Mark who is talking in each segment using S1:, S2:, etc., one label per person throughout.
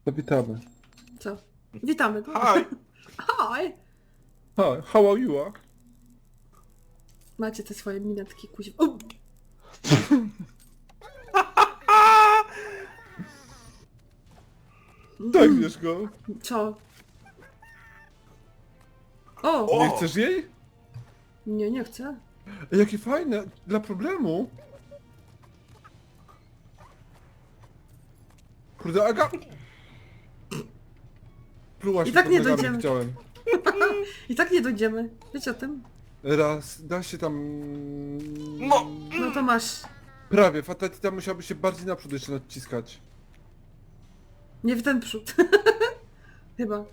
S1: To witamy.
S2: Co? Witamy. No.
S3: Hi!
S2: Hi!
S1: Hi, how are you?
S2: Macie te swoje minetki, kuźwa. O!
S1: Tak, wiesz go.
S2: Co? O!
S1: Nie chcesz jej?
S2: Nie, nie chcę.
S1: Jakie fajne, dla problemu. Kurde, Aga... Plułaś
S2: I
S1: mi
S2: tak
S1: pod
S2: nie
S1: nogami,
S2: dojdziemy.
S1: widziałem.
S2: I tak nie dojdziemy. Wiecie o tym?
S1: Raz, da się tam...
S3: No!
S2: No to masz.
S1: Prawie, Fatatita musiałby się bardziej naprzód jeszcze naciskać.
S2: Nie w ten przód. Chyba.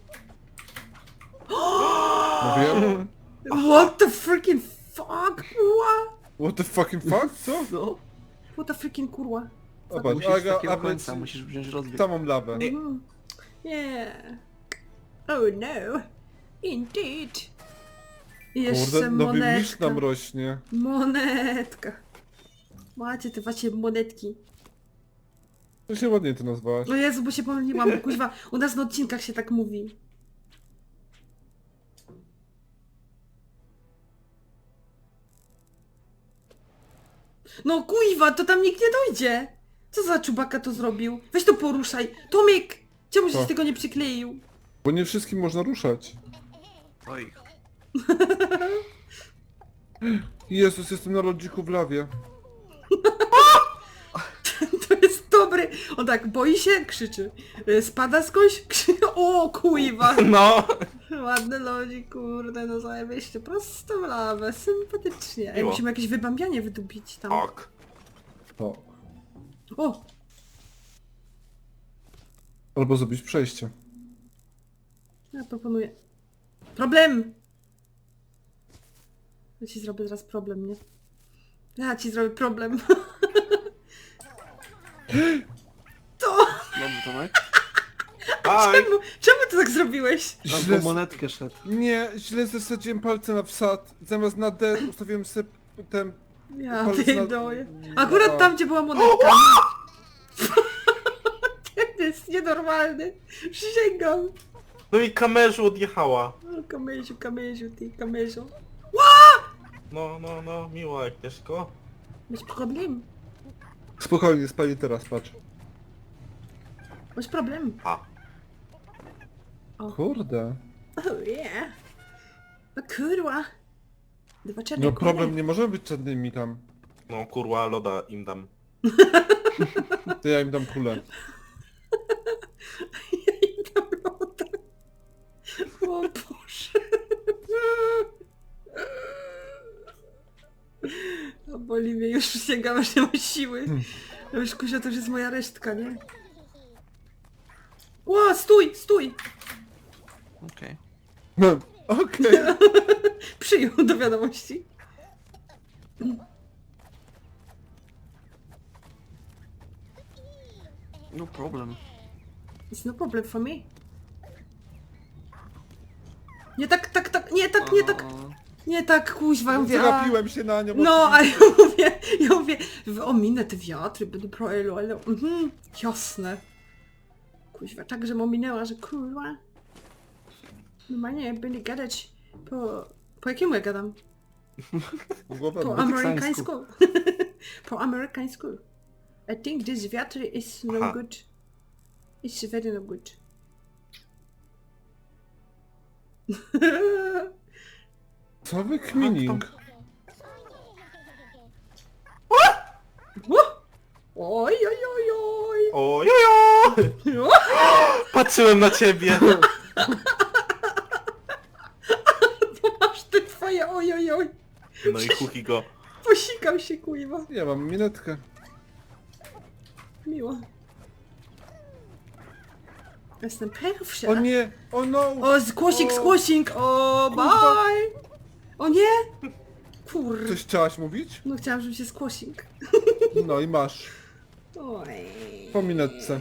S1: Mówiłem?
S2: What the freaking fuck? Kurwa?
S1: What the fucking fuck? Co?
S4: No,
S2: What the freaking kurwa?
S1: Zobacz,
S4: musisz z
S1: Aga,
S4: takiego
S1: Aga
S4: końca, musisz wziąć rozbieg.
S1: samą lawę.
S2: Mhm. Yeah. Oh no. Indeed. I jeszcze
S1: Kurde, nowy misz
S2: monetka.
S1: nam rośnie.
S2: Monetka. Macie te wasze monetki.
S1: To się ładnie to nazwałaś.
S2: No Jezu, bo się pomyliłam, bo kuźwa, u nas na odcinkach się tak mówi. No kuźwa, to tam nikt nie dojdzie. Co za czubaka to zrobił? Weź to poruszaj. Tomek! Czemu żeś
S1: Co?
S2: tego nie przykleił?
S1: Bo nie wszystkim można ruszać.
S4: Oj,
S1: Jezus, jestem na lodziku w lawie.
S2: To jest dobry. On tak boi się, krzyczy. Spada skądś, krzyczy. O kuźwa!
S3: No!
S2: Ładny lodzik, kurde, no zajebiście. Prosto w lawę, sympatycznie. Ej,
S3: Miło.
S2: musimy jakieś wybambianie wydupić tam.
S3: Ok.
S1: O.
S2: O!
S1: Albo zrobić przejście.
S2: Ja proponuję. Problem! Ja ci zrobię teraz problem, nie? Ja ci zrobię problem. To!
S4: dobry Tomek.
S3: Hi!
S2: Czemu ty tak zrobiłeś?
S4: Tam
S1: Źle
S4: po monetkę szedł.
S1: Nie, źle zasadziłem palce na wsad. Zamiast na D ustawiłem sobie ten...
S2: Ja
S1: palec
S2: pierdolę.
S1: na-
S2: Akurat
S1: na-
S2: tam, gdzie była monetka. To jest nienormalny. Przysięgam.
S3: No i kamerzu odjechała.
S2: O, kamerziu, ty, kamerzu.
S3: No, miło Agnieszko.
S2: Masz problem?
S1: Spokojnie, spali teraz, patrz.
S2: Masz problem?
S3: A.
S1: Kurde.
S2: Oh yeah. No kurwa. Dwa czarne
S1: No
S2: kule.
S1: problem, nie możemy być czarnymi tam.
S3: No kurwa, loda im dam.
S1: To ja im dam kulę.
S2: Ja im dam loda. O Boże. A boli mnie, już sięgam, aż nie mam siły. No już Kuzia, to już jest moja resztka, nie? Ło, stój, stój!
S4: Okej.
S1: No, okej.
S2: Przyjął do wiadomości.
S4: No problem.
S2: It's no problem for me. Nie tak, nie tak, nie tak, nie tak, kuźwa, ja mówię, a...
S1: Zagapiłem się na nią.
S2: No, a ja mówię, ominę te wiatry, będę proelu, ale jasne. Kuźwa, tak, że ominęła, że kurwa. Normalnie będę gadać po jakiemu ja gadam?
S1: Głowę
S2: Po amerykańsku. Po amerykańsku. I think this wiatr is no
S3: Aha.
S2: good. It's very no good.
S1: Co wy kmining?
S2: Oj, oj, oj, oj.
S3: Ojojo! Patrzyłem na ciebie!
S2: Masz te twoje oj, oj, oj.
S3: No i kuki go.
S2: Posikam się, kuźwa.
S1: Ja mam minetkę.
S2: Miło. Jestem pierwsza.
S1: O nie! O no!
S2: O, squashing,
S1: O,
S2: squashing! O,
S1: kurwa.
S2: bye! O nie! Kur...
S1: Coś chciałaś mówić?
S2: No chciałam, żeby się squashing.
S1: No i masz.
S2: Oj.
S1: Po minetce.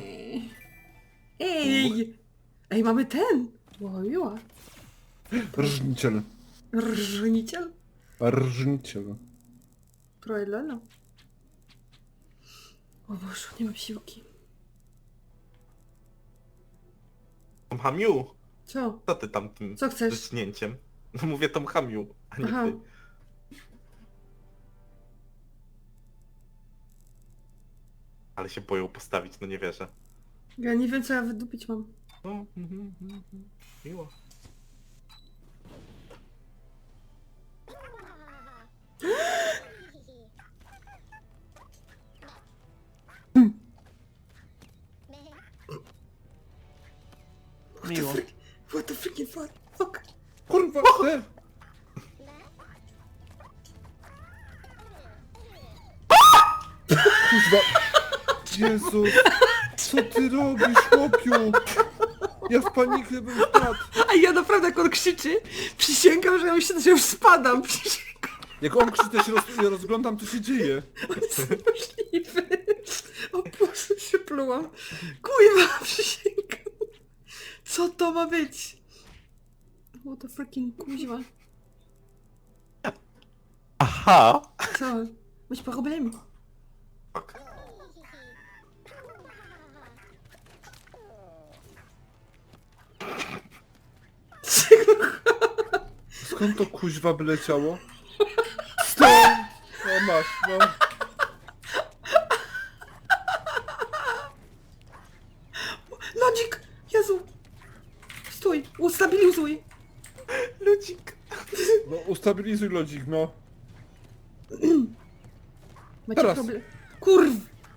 S2: Ej! Ej, mamy ten! O, miła.
S1: Rżniciel.
S2: Rżniciel?
S1: Rżniciel.
S2: Proeleno. O Boże, nie mam siłki.
S3: Tom Hamiu,
S2: Co?
S3: co ty tam tym
S2: Co chcesz?
S3: wyschnięciem? No mówię Tom Hamiu, a nie
S2: Aha.
S3: ty. Ale się boją postawić, no nie wierzę.
S2: Ja nie wiem co ja wydupić mam.
S3: No, miło.
S4: Miło.
S2: What the freaking fuck?
S1: Kurwa, te! Kurwa! Jezus! Co ty robisz, chłopiu? Ja w panikę bym wpadł.
S2: A ja naprawdę jak on krzyczy, przysięgam, że ja myślę, że już spadam. Przysięgam,
S1: Jak on krzyczy, ja się ja rozglądam, co się dzieje.
S2: on jest niemożliwy. O Boże, się plułam. Kurwa, przysięgam. Co to ma być? What the freaking kuźwa.
S3: Aha!
S2: Co? Masz problem?
S3: Fuck.
S1: Skąd to kuźwa by leciało? Stąd! O masz, no.
S2: Lodzik! Jezu! Stój! Ustabilizuj!
S3: Ludzik.
S1: No ustabilizuj lodzik, no.
S2: Macie
S1: Teraz.
S2: problem? Kurw!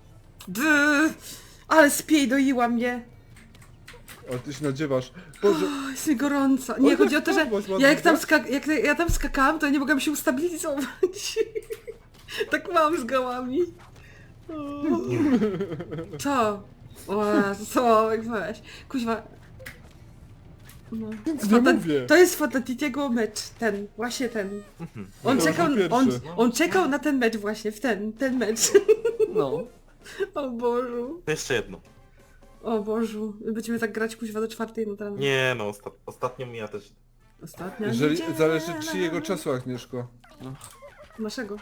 S2: Ale spiejdoiła mnie!
S1: Ale ty się nadziewasz. Boże,
S2: O, jest mi gorąco. Nie,
S1: Oj,
S2: chodzi o to, że
S1: spadłaś
S2: ja jak tam,
S1: ładnie,
S2: jak ja tam skakałam, to nie mogłam się ustabilizować. Tak mam z gałami. O. Co? O, co? Jak weź. Kuźwa. No.
S1: Nic nie mówię.
S2: To jest Fotatitiego mecz, ten, właśnie ten. On
S1: To
S2: czekał,
S1: był
S2: on,
S1: pierwszy.
S2: on czekał na ten mecz właśnie, w ten mecz.
S4: No.
S2: O Bożu.
S3: To jeszcze jedno.
S2: O Bożu. Będziemy tak grać kuźwa do 4 no teraz.
S3: Nie no, ostatnio ja też...
S2: Ostatnia
S1: Jeżeli
S2: niedziela.
S1: zależy czyjego czasu, Agnieszko.
S2: Naszego.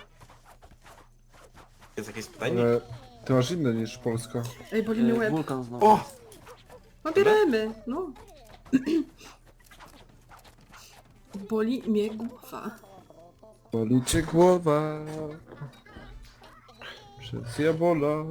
S3: Jest jakieś pytanie?
S1: Ale ty masz inne niż Polska.
S2: Ej, boli mnie łeb.
S4: Wulkan znowu.
S3: O!
S2: No bierzemy, no. Boli mnie głowa.
S1: Boli cię głowa. Przez jabola.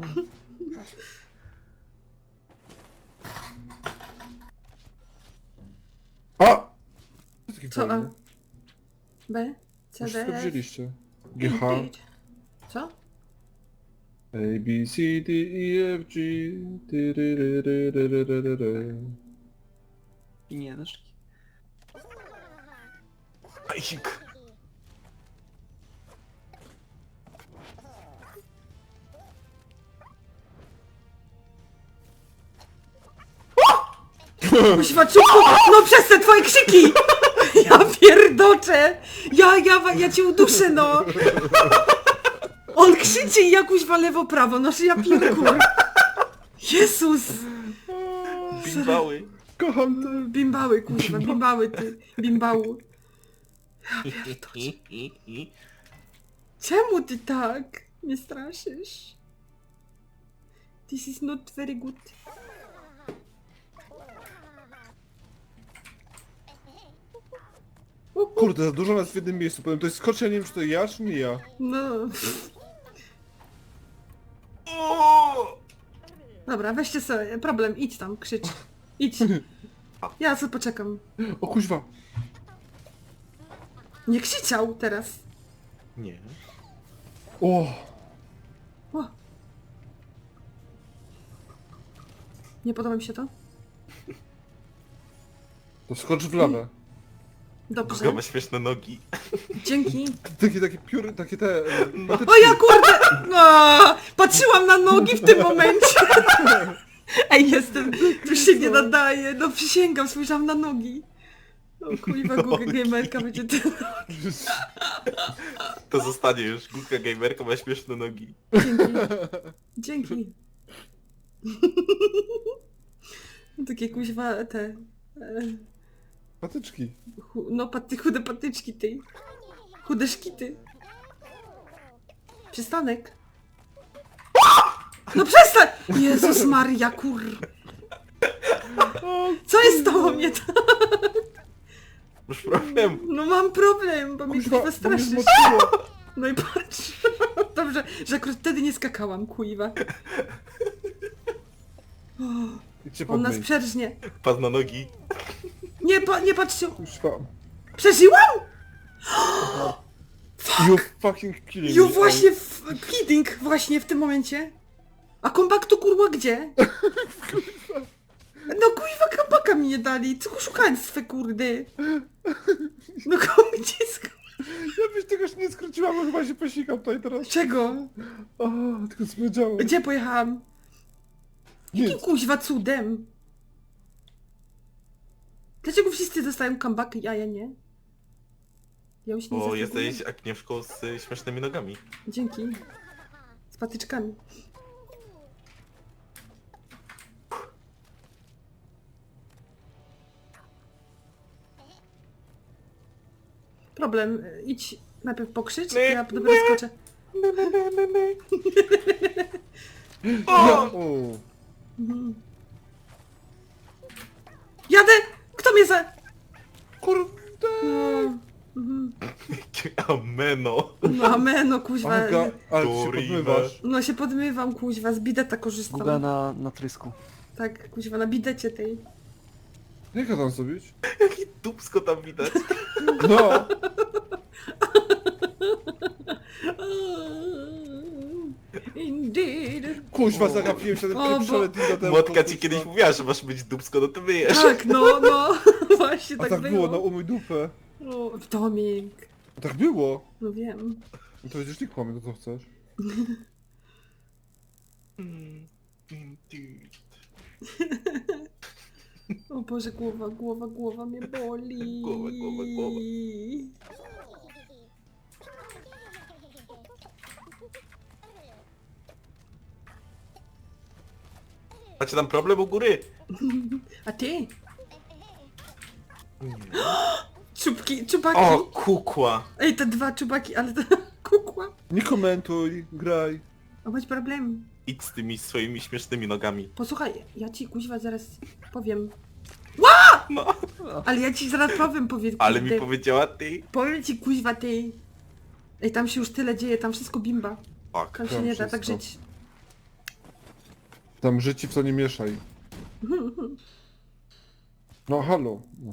S1: A! Taki
S2: Co A?
S1: fajny.
S2: B? C,
S1: Już
S2: D,
S1: wszystko
S2: F?
S1: wzięliście. GH,
S2: Co?
S1: A, B, C, D, E, F, G, ty, ry, ry, ry, ry, ry, ry, ry, ry.
S4: I nie też.
S3: Bajsik.
S2: Kuźwa, czubku! No przez te twoje krzyki! Ja pierdoczę! Ja cię uduszę, no! On krzyczy i ja kuźwa lewo, prawo, no że ja pierkur! Jezus!
S3: Bimbały.
S1: Kocham to.
S2: Bimbały, kuźwa, bimbały ty, bimbału. Czemu ty tak mnie straszysz? This is not very good.
S1: Kurde, za dużo nas w jednym miejscu. Powiem, to jest skocznia, nie wiem czy to ja, czy nie ja.
S2: No.
S3: O!
S2: Dobra, weźcie sobie, problem, idź tam, krzycz. Idź. Ja sobie poczekam.
S1: O kuźwa.
S2: Nie krzyczał teraz.
S3: Nie.
S1: O!
S2: O. Nie podoba mi się to?
S1: To skocz w lawę.
S2: Dobrze.
S3: Kogo ma śmieszne nogi.
S2: Dzięki.
S1: Takie pióry, takie te...
S2: O ja kurde! No, patrzyłam na nogi w tym momencie. Ej, jestem... Tu się nie nadaje. No przysięgam, spojrzałam na nogi. O kurwa, Google Gamerka będzie ten...
S3: To zostanie już. Gulka gamerka ma śmieszne nogi.
S2: Dzięki. Dzięki. Takie kuźwa te...
S1: Patyczki.
S2: No chude patyczki tej. Chude szkity. Przystanek. No przestań! Jezus Maria, kur... Co jest z tobą nie tak?
S3: Masz problem.
S2: No mam problem, bo mnie
S1: Kuźwa,
S2: kuźwa
S1: bo mnie
S2: straszysz.
S1: zmoczyło.
S2: No i patrz. Dobrze, że akurat wtedy nie skakałam, kuźwa.
S1: Idźcie
S2: On nas
S1: pod
S2: przerżnie.
S3: Pas na nogi.
S2: Nie patrzcie.
S1: Kuźwa.
S2: Przeżyłam?
S1: You fucking killing
S2: Jo,
S1: me.
S2: właśnie w kidding, właśnie w tym momencie. A kompaktu kurwa gdzie? No kuźwa kompaka mi nie dali. Co oszukaństwo kurde. No gdzie
S1: Ja byś tego już nie skróciłam, bo chyba się posikam tutaj teraz.
S2: Czego?
S1: O, tylko zwiedziałem.
S2: Gdzie pojechałam? Jakim
S1: Nic.
S2: kuźwa cudem? Dlaczego wszyscy dostają comebacki, a ja nie? Ja już nie
S3: Bo
S2: zasługuję.
S3: jesteś Agnieszką z śmiesznymi nogami.
S2: Dzięki. Z patyczkami. Problem. Idź najpierw pokrzycz, ja dopiero skoczę.
S1: O!
S2: Mhm. Jadę! Kto mnie za...
S1: Kurde!
S2: No, mhm.
S3: Ameno.
S2: No ameno, kuźwa.
S1: Aga, ale ty się
S3: Kurwa.
S1: podmywasz.
S2: No się podmywam, kuźwa, z bideta korzystam.
S4: Guga na trysku.
S2: Tak, kuźwa, na bidecie tej.
S1: Jak ja tam zrobić?
S3: Jaki dupsko tam widać.
S1: No!
S2: Indeed.
S1: Kuźwa, zagapiłem się na
S2: O,
S1: ten
S2: bo-
S1: pieprzony temu.
S3: Młotka ci kiedyś mówiła, że masz być dupsko, no to myjesz.
S2: Tak, no, właśnie
S1: A
S2: tak,
S1: tak było,
S2: było.
S1: no umyj dupę.
S2: O, Tomik,
S1: A tak było.
S2: no wiem.
S1: No to będziesz nie kłamie, to co chcesz.
S3: Indeed.
S2: O Boże, głowa mnie boli.
S3: Głowa. Macie tam problem u góry?
S2: A ty? Czubaki.
S3: O, kukła.
S2: Ej, te dwa czubaki, ale to kukła.
S1: Nie komentuj, graj.
S2: O, bądź problem.
S3: Idź z tymi swoimi śmiesznymi nogami.
S2: Posłuchaj, ja ci kuźwa zaraz powiem.
S3: No,
S2: Ale ja ci zaraz powiem,
S3: ale mi
S2: kurde.
S3: powiedziała ty.
S2: Powiem ci kuźwa ty. Ej, tam się już tyle dzieje, tam wszystko bimba.
S3: Fuck.
S2: Tam się
S1: Tam
S2: nie da tak
S1: wszystko.
S2: żyć.
S1: Tam życi w to nie mieszaj. No halo. No.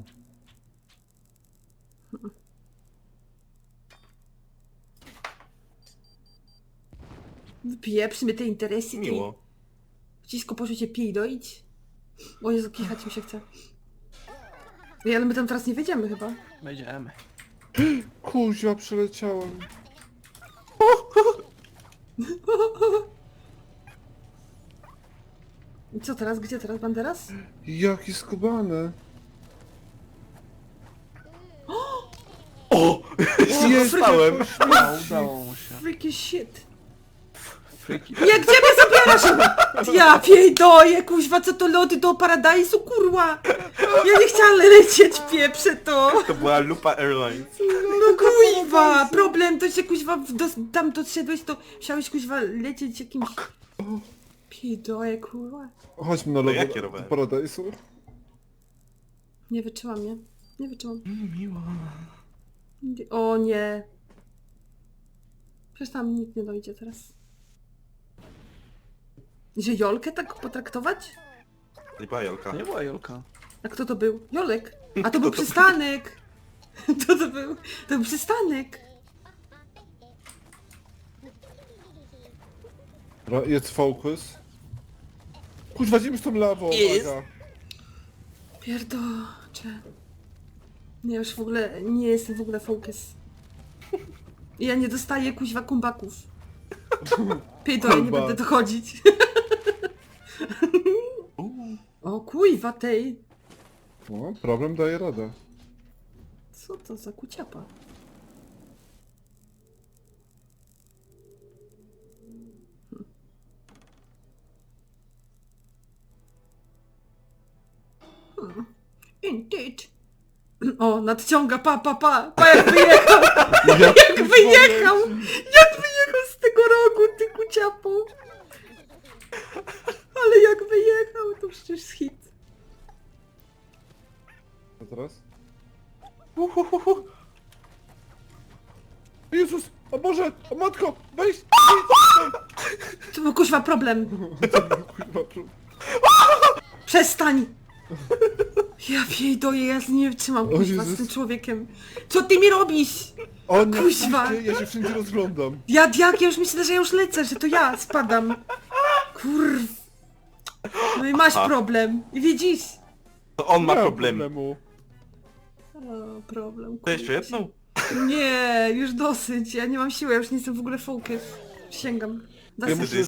S2: Wypieprz mnie te interesy, ty.
S3: Miło.
S2: Wcisko poszło cię pij doić. O Jezu, kichać mi się chce. Ej, ale my tam teraz nie wejdziemy chyba.
S4: Będziemy.
S1: Kuźwa, przeleciałem.
S2: I co teraz? Gdzie teraz? Banderas?
S1: Jaki skubany.
S3: O!
S1: Jest,
S3: Zostałem.
S4: No, udało mu się.
S2: Freaky shit.
S4: Freaky.
S2: Nie, gdzie mnie zabierasz? Ja piejdoję, kuźwa, co to loty do paradajsu, kurwa. Ja nie chciałam lecieć, pieprze to.
S3: To była Lupa Airlines.
S2: No kuźwa, problem to się kuźwa, tam doszedłeś, to musiałeś kuźwa lecieć jakimś... Piejdoję, kurwa.
S1: Chodźmy na
S3: No
S1: logo
S3: jakie rowery?
S1: do Paradisu.
S2: Nie wytrzymam, nie? Nie wytrzymam.
S3: Miło.
S2: O nie. Przecież tam nikt nie dojdzie teraz. Że Jolkę tak potraktować?
S3: Nie była Jolka.
S4: To nie była Jolka.
S2: A kto to był? Jolek. A to był przystanek. To był? To był przystanek.
S1: Jest focus. Kuźwa, idziemy z tą lawą,
S4: Jest.
S1: Aga.
S2: Pierdocze. Nie, już w ogóle nie jestem w ogóle focus. Ja nie dostaję kuźwa kumbaków. Pierdolę, nie
S1: Kumba.
S2: będę dochodzić. O kuźwa tej.
S1: No, problem daje radę.
S2: Co to za kuciapa? Indeed. O, nadciąga, pa, jak wyjechał, jak wyjechał z tego rogu, ty kuciapo. Ale jak wyjechał, to przecież hit.
S1: teraz?
S3: Uhuhuhu.
S1: O Jezus! O Boże! O matko! Weź!
S2: To był kuźwa problem.
S1: Kurwa,
S2: Przestań! Ja pierdolę, ja nie wytrzymam
S1: O
S2: kuźwa z
S1: Jezus.
S2: tym człowiekiem. Co ty mi robisz?
S1: O nie,
S2: Kuźwa.
S1: ja się wszędzie rozglądam.
S2: Ja już myślę, że ja już lecę, że to ja spadam. Kurw. No i masz problem. I widzisz?
S3: To on ma
S1: Nie
S3: problemy.
S1: problemu.
S2: O, problem.
S3: To jeszcze
S2: kurwa.
S3: jedną?
S2: Nie, już dosyć. Ja nie mam siły, ja już nie jestem w ogóle focus. Przysięgam.
S1: Ja
S2: Dosyć.
S1: muszę